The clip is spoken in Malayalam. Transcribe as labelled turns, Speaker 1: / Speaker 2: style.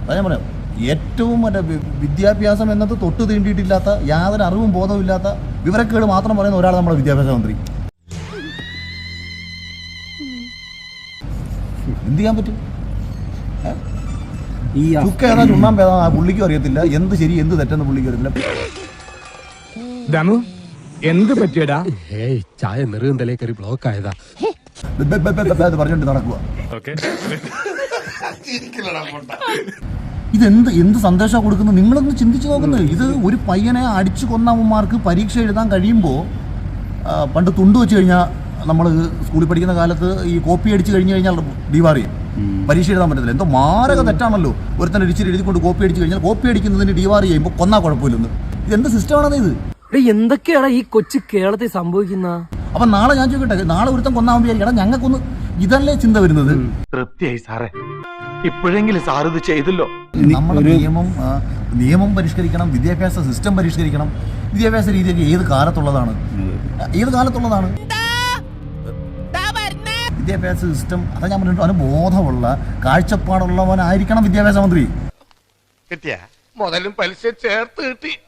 Speaker 1: അതാ ഞാൻ പറയാം, ഏറ്റവും മറ്റേ വിദ്യാഭ്യാസം എന്നത് തൊട്ട് തീണ്ടിയിട്ടില്ലാത്ത, യാതൊരു അറിവും ബോധവും ഇല്ലാത്ത, വിവരക്കേട് മാത്രം പറയുന്ന ഒരാൾ നമ്മുടെ വിദ്യാഭ്യാസ മന്ത്രി. എന്ത് ചെയ്യാൻ പറ്റും? ചുക്ക ഏതാ ചുണ്ണാമ്പേതാ പുള്ളിക്കും അറിയത്തില്ല, എന്ത് ശരി എന്ത് തെറ്റെന്ന് പുള്ളിക്കും അറിയത്തില്ല.
Speaker 2: എന്ത് പറ്റിയടാ?
Speaker 3: ചായ നെറുകന്തലേ കയറി ബ്ലോക്ക് ആയതാ
Speaker 1: പറഞ്ഞിട്ട് നടക്കുക. എന്ത് സന്ദേശമാണ് കൊടുക്കുന്നത്? നിങ്ങളൊന്ന് ചിന്തിച്ചു നോക്കുന്നത്. ഇത് ഒരു പയ്യനെ അടിച്ചു കൊന്നവന്മാർക്ക് പരീക്ഷ എഴുതാൻ കഴിയുമ്പോൾ, പണ്ട് തുണ്ട് വെച്ച് കഴിഞ്ഞാൽ നമ്മൾ സ്കൂളിൽ പഠിക്കുന്ന കാലത്ത് ഈ കോപ്പി അടിച്ച് കഴിഞ്ഞ് കഴിഞ്ഞാൽ ഡിവാർ ചെയ്യും, പരീക്ഷ എഴുതാൻ പറ്റത്തില്ല. എന്തോ മാരക തെറ്റാണല്ലോ. ഒരുത്തന്നെ ഇടിച്ചിട്ട് എഴുതിക്കൊണ്ട് കോപ്പി അടിച്ച് കഴിഞ്ഞാൽ കോപ്പി അടിക്കുന്നതിന് ഡിവാർ ചെയ്യുമ്പോൾ കൊന്നാ കുഴപ്പമില്ലെന്ന്. ഇതെന്ത് സിസ്റ്റമാണത് ഇത്?
Speaker 4: എന്തൊക്കെയാണ് ഈ കൊച്ചു കേരളത്തിൽ സംഭവിക്കുന്ന?
Speaker 1: അപ്പൊ നാളെ ഞാൻ ചോദിക്കട്ടെ, നാളെ ഒരുത്തം കൊന്നാൻ വിചാരിക്കണം, ഞങ്ങൾക്കൊന്ന് ഇതല്ലേ ചിന്ത വരുന്നത്?
Speaker 5: തൃപ്തിയായി സാറേ, ഇപ്പോഴെങ്കിലും സാർ ഇത് ചെയ്തല്ലോ.
Speaker 1: നമ്മുടെ നിയമം പരിഷ്കരിക്കണം, വിദ്യാഭ്യാസ സിസ്റ്റം പരിഷ്കരിക്കണം. വിദ്യാഭ്യാസ രീതിയൊക്കെ ഏത് കാലത്തുള്ളതാണ്? വിദ്യാഭ്യാസ സിസ്റ്റം, അതാ ഞാൻ പറഞ്ഞിട്ട്, അവന് ബോധമുള്ള കാഴ്ചപ്പാടുള്ളവനായിരിക്കണം വിദ്യാഭ്യാസ മന്ത്രി.
Speaker 5: കിട്ടിയ മുതലും പലിശ ചേർത്ത് കിട്ടി.